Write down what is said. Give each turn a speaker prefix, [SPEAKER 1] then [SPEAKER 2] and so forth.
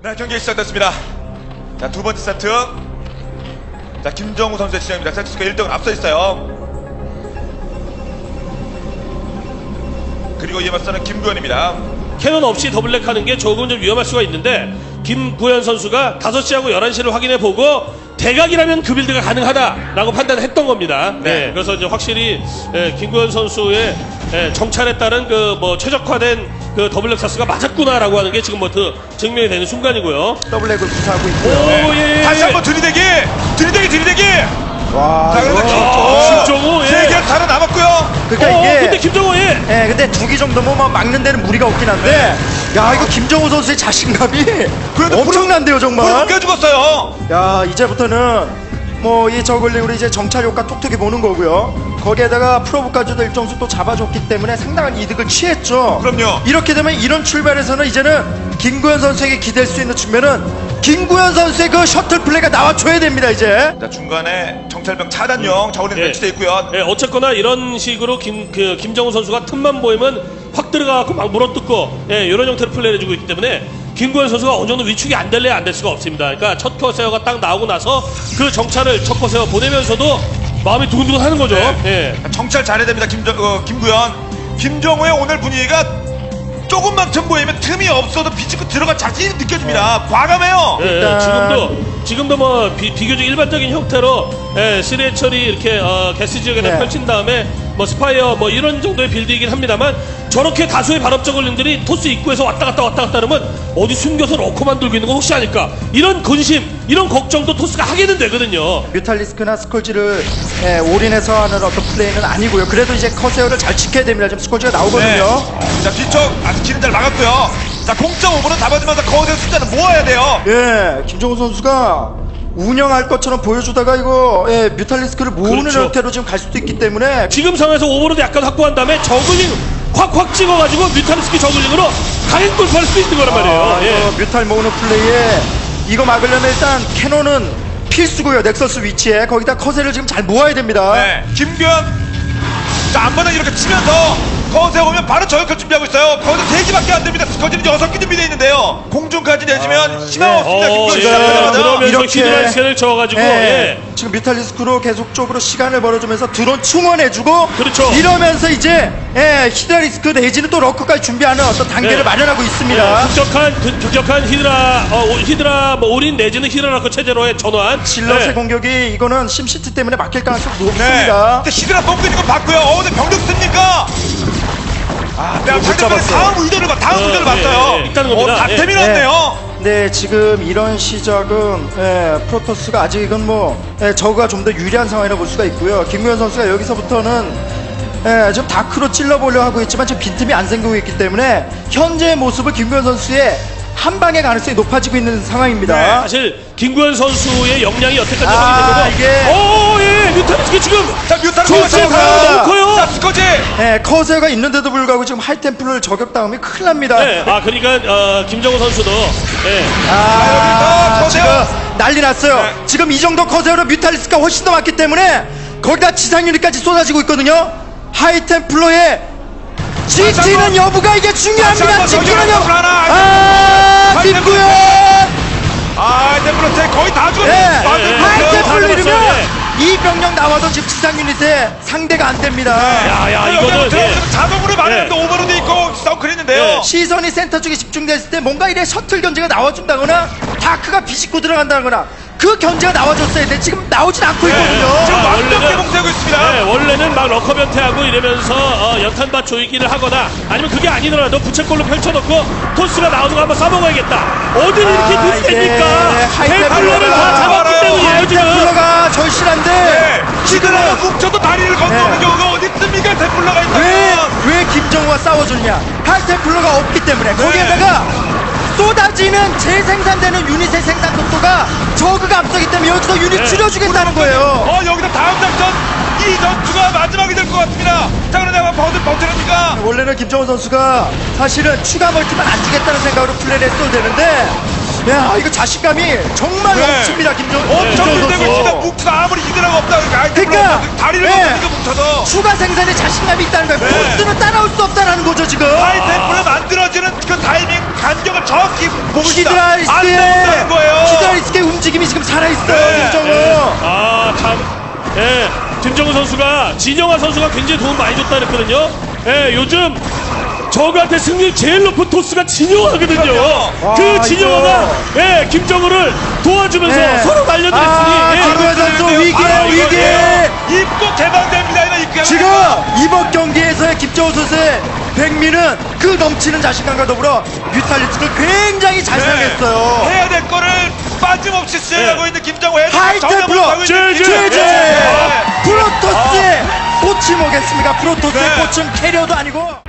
[SPEAKER 1] 네, 경기 시작됐습니다. 자, 두 번째 세트. 자, 김정우 선수의 진영입니다. 세트스코어 1등을 앞서 있어요. 그리고 이에 맞서는 김구현입니다.
[SPEAKER 2] 캐논 없이 더블랙 하는 게 조금 좀 위험할 수가 있는데 김구현 선수가 5시하고 11시를 확인해보고 대각이라면 그 빌드가 가능하다라고 판단했던 겁니다.
[SPEAKER 1] 네.
[SPEAKER 2] 그래서 이제 확실히 김구현 선수의 정찰에 따른 그 뭐 최적화된 그 더블랙 사스가 맞았구나라고 하는 게 지금 뭐 그 증명이 되는 순간이고요.
[SPEAKER 3] 더블랙을 구사하고 있고요.
[SPEAKER 2] 오, 예.
[SPEAKER 1] 다시 한번 들이대기!
[SPEAKER 3] 와,
[SPEAKER 1] 자, 그런데
[SPEAKER 2] 김정우, 예.
[SPEAKER 1] 세 개 살아남았고요.
[SPEAKER 3] 그러니까 이게
[SPEAKER 2] 근데 김정우, 예.
[SPEAKER 3] 근데 두 기 정도면 뭐 막는 데는 무리가 없긴 한데, 야, 이거 김정우 선수의 자신감이
[SPEAKER 1] 그래도
[SPEAKER 3] 엄청난데요,
[SPEAKER 1] 불을
[SPEAKER 3] 정말.
[SPEAKER 1] 못 죽었어요.
[SPEAKER 3] 야, 이제부터는 뭐 이 저글링으로 이제 정찰 효과 톡톡히 보는 거고요. 거기에다가 프로브까지도 일정수 또 잡아줬기 때문에 상당한 이득을 취했죠.
[SPEAKER 1] 그럼요.
[SPEAKER 3] 이렇게 되면 이런 출발에서는 이제는 김구현 선수에게 기댈 수 있는 측면은 김구현 선수의 그 셔틀 플레이가 나와줘야 됩니다, 이제.
[SPEAKER 1] 자, 중간에 정찰병 차단용 자원이 배치되어 있고요.
[SPEAKER 2] 예, 어쨌거나 이런 식으로 김정우 선수가 틈만 보이면 확 들어가고 막 물어뜯고 이런 형태로 플레이를 해주고 있기 때문에 김구현 선수가 어느 정도 위축이 안 될래야 안 될 수가 없습니다. 그러니까 첫 커세어가 딱 나오고 나서 그 정찰을 첫 커세어 보내면서도 마음이 두근두근 하는 거죠.
[SPEAKER 1] 네. 정찰 잘해야 됩니다. 김구현. 김정우의 오늘 분위기가 조금만 틈 보이면 틈이 없어도 비집고 들어갈 자신이 느껴집니다. 과감해요.
[SPEAKER 2] 예,
[SPEAKER 3] 일단-
[SPEAKER 2] 지금도 뭐 비교적 일반적인 형태로 3회 처리 이렇게 게스 지역에다
[SPEAKER 3] 네.
[SPEAKER 2] 펼친 다음에 뭐 스파이어 뭐 이런 정도의 빌드이긴 합니다만 저렇게 다수의 발업 저글링들이 토스 입구에서 왔다 갔다 하면 어디 숨겨서 러커만 들고 있는 거 혹시 아닐까 이런 근심 이런 걱정도 토스가 하게는 되거든요.
[SPEAKER 3] 뮤탈리스크나 스콜지를 올인해서 하는 어떤 플레이는 아니고요. 그래도 이제 커세어를 잘 지켜야 됩니다. 지금 스콜지가 나오거든요.
[SPEAKER 1] 자, 뒤쪽 아직 길은 잘 막았고요. 자, 0.5분은 잡아주면서 거기서 숫자는 모아야 돼요.
[SPEAKER 3] 예, 김정우 선수가 운영할 것처럼 보여주다가 이거 뮤탈리스크를 모으는
[SPEAKER 2] 그렇죠.
[SPEAKER 3] 형태로 지금 갈 수도 있기 때문에
[SPEAKER 2] 지금 상황에서 오버로드 약간 확보한 다음에 저글링 확 찍어가지고 뮤탈리스크 저글링으로 강행 돌파할 수 있는 거란 말이에요. 예.
[SPEAKER 3] 이거 뮤탈 모으는 플레이에 이거 막으려면 일단 캐논은 필수고요. 넥서스 위치에 거기다 커세를 지금 잘 모아야 됩니다.
[SPEAKER 1] 네. 김구현. 자, 앞마당 이렇게 치면서 거기서 오면 바로 저격할 준비하고 있어요. 거기서 3기밖에 안 됩니다. 스커지는 6기 준비되어 있는데요. 공중까지 내주면 희망 없습니다. 김구현 시작하자마자.
[SPEAKER 2] 그러면서
[SPEAKER 3] 이렇게-
[SPEAKER 2] 히드라 스캔을 저어가지고
[SPEAKER 3] 지금 뮤탈리스크로 계속적으로 시간을 벌어주면서 드론 충원해주고
[SPEAKER 2] 그렇죠.
[SPEAKER 3] 이러면서 이제 히드라리스크 내지는 또 러커까지 준비하는 어떤 단계를
[SPEAKER 2] 네.
[SPEAKER 3] 마련하고 있습니다.
[SPEAKER 2] 급격한 히드라 뭐 올인 내지는 히드라라커 체제로의 전환.
[SPEAKER 3] 질럿의
[SPEAKER 2] 네.
[SPEAKER 3] 공격이 이거는 심시티 때문에 막힐 가능성이
[SPEAKER 1] 네.
[SPEAKER 3] 높습니다.
[SPEAKER 1] 근데 히드라 똥 있는 거 봤고요. 근데 병력 씁니까? 내가 상대편의 다음 의도를 봤어요.
[SPEAKER 2] 있다는 겁니다.
[SPEAKER 1] 다 태민했네요.
[SPEAKER 3] 네, 지금 이런 시작은 프로토스가 아직은 뭐 저그가 좀 더 유리한 상황이라 볼 수가 있고요. 김구현 선수가 여기서부터는 지금 다크로 찔러보려 하고 있지만 지금 빈틈이 안 생기고 있기 때문에 현재의 모습을 김구현 선수의 한 방의 가능성이 높아지고 있는 상황입니다.
[SPEAKER 1] 네,
[SPEAKER 2] 사실 김구현 선수의 역량이 여태까지
[SPEAKER 3] 아,
[SPEAKER 2] 확인되고
[SPEAKER 3] 이게-
[SPEAKER 2] 뮤탈리스크 지금
[SPEAKER 1] 자, 뮤타를
[SPEAKER 2] 조스의 바람이 너무 커요.
[SPEAKER 1] 자, 스커지.
[SPEAKER 3] 커세어가 있는데도 불구하고 지금 하이템플을 저격당하면 큰일 납니다.
[SPEAKER 2] 네, 그러니까 김정우 선수도
[SPEAKER 1] 여기서
[SPEAKER 3] 지금
[SPEAKER 1] 커세어.
[SPEAKER 3] 난리 났어요.
[SPEAKER 1] 네.
[SPEAKER 3] 지금 이 정도 커세어로 뮤탈리스크가 훨씬 더 많기 때문에 거기다 지상 유닛까지 쏟아지고 있거든요. 하이템플러의 GT는 여부가 이게 중요합니다.
[SPEAKER 1] 다시 한번
[SPEAKER 3] GT는 여부.
[SPEAKER 1] 하나.
[SPEAKER 3] 김구현.
[SPEAKER 1] 템플러스 거의 다 죽었네.
[SPEAKER 3] 하이템플러이면
[SPEAKER 2] 예.
[SPEAKER 3] 이 병력 나와도 지금 지상 유닛에 상대가 안 됩니다.
[SPEAKER 2] 야 이거는
[SPEAKER 1] 자동으로 막았는데 오버로드 있고 서클 있는데요.
[SPEAKER 2] 예.
[SPEAKER 3] 시선이 센터 쪽에 집중됐을 때 뭔가 이래 셔틀 견제가 나와준다거나 다크가 비집고 들어간다거나 그 견제가 나와줬어야 돼. 지금 나오진 않고 있거든요.
[SPEAKER 1] 지금 완벽히
[SPEAKER 2] 원래는-
[SPEAKER 1] 봉쇄하고 있습니다.
[SPEAKER 2] 네, 원래는 막 러커 변태하고 이러면서 연탄밭 조이기를 하거나 아니면 그게 아니더라도 부채꼴로 펼쳐놓고 토스가 나오는 거 한번 쏴먹어야겠다. 어딜 이렇게 늦습니까? 헬플러를 다 잡았기 때문이에요 지금.
[SPEAKER 3] 하이템플러가 절실한데
[SPEAKER 1] 히드라가 뭉쳐도 다리를 건너는
[SPEAKER 3] 네.
[SPEAKER 1] 경우가 어디 있습니까? 템플러가 있다면.
[SPEAKER 3] 왜 김정우와 싸워주느냐? 하이템플러가 없기 때문에 거기에다가 쏟아지는 재생산되는 유닛의 생산 속도가 저그가 앞서기 때문에 여기서 유닛
[SPEAKER 2] 네.
[SPEAKER 3] 줄여주겠다는 거예요.
[SPEAKER 1] 여기서 다음 작전 이 전투가 마지막이 될 것 같습니다. 자, 그런데 버텨냅니까?
[SPEAKER 3] 원래는 김정우 선수가 사실은 추가 멀티만 안 주겠다는 생각으로 플레이를 했어도 되는데 야, 이거 자신감이 정말
[SPEAKER 1] 네.
[SPEAKER 3] 넘칩니다, 김정우
[SPEAKER 1] 엄청
[SPEAKER 3] 선수.
[SPEAKER 1] 힘들고 있습니다. 뭉트가 아무리 이드라가 없다 그러니까 아이템을
[SPEAKER 3] 그러니까,
[SPEAKER 1] 없다. 다리를
[SPEAKER 3] 네.
[SPEAKER 1] 없으니까 뭉쳐서
[SPEAKER 3] 추가 생산에 자신감이 있다는 거예요.
[SPEAKER 1] 네.
[SPEAKER 3] 포스는 따라올 수 없다는 거죠, 지금.
[SPEAKER 1] 하이템플을 만들어지는 그 타이밍 간격을 정확히 보고 있다. 안
[SPEAKER 3] 히드라리스크의
[SPEAKER 1] 된다는 거예요.
[SPEAKER 3] 히드라리스크의 움직임이 지금 살아있어요,
[SPEAKER 1] 네.
[SPEAKER 3] 김정우.
[SPEAKER 2] 아, 참. 예, 김정우 선수가, 진영아 선수가 굉장히 도움 많이 줬다 그랬거든요. 예, 요즘 저그한테 승률 제일 높은 토스가 진영아거든요.
[SPEAKER 1] 그럼요.
[SPEAKER 2] 그
[SPEAKER 3] 아,
[SPEAKER 2] 진영아가, 예, 김정우를 도와주면서
[SPEAKER 3] 네.
[SPEAKER 2] 서로 날려드렸으니,
[SPEAKER 3] 아,
[SPEAKER 2] 예,
[SPEAKER 3] 김구현 선수 위기에 위기.
[SPEAKER 1] 입구 개방됩니다. 이거 입구
[SPEAKER 3] 지금 이번 경기에서의 김정우 선수의 백미는 그 넘치는 자신감과 더불어 뮤탈리스크를 굉장히 잘 사용했어요.
[SPEAKER 1] 해야 될 거를 빠짐없이 수행하고
[SPEAKER 2] 네.
[SPEAKER 1] 있는 김정우 해야
[SPEAKER 3] 하이템플러
[SPEAKER 2] 제제.
[SPEAKER 3] 제제 프로토스의 꽃이 뭐겠습니까? 프로토스의
[SPEAKER 1] 네.
[SPEAKER 3] 꽃은 캐리어도 아니고.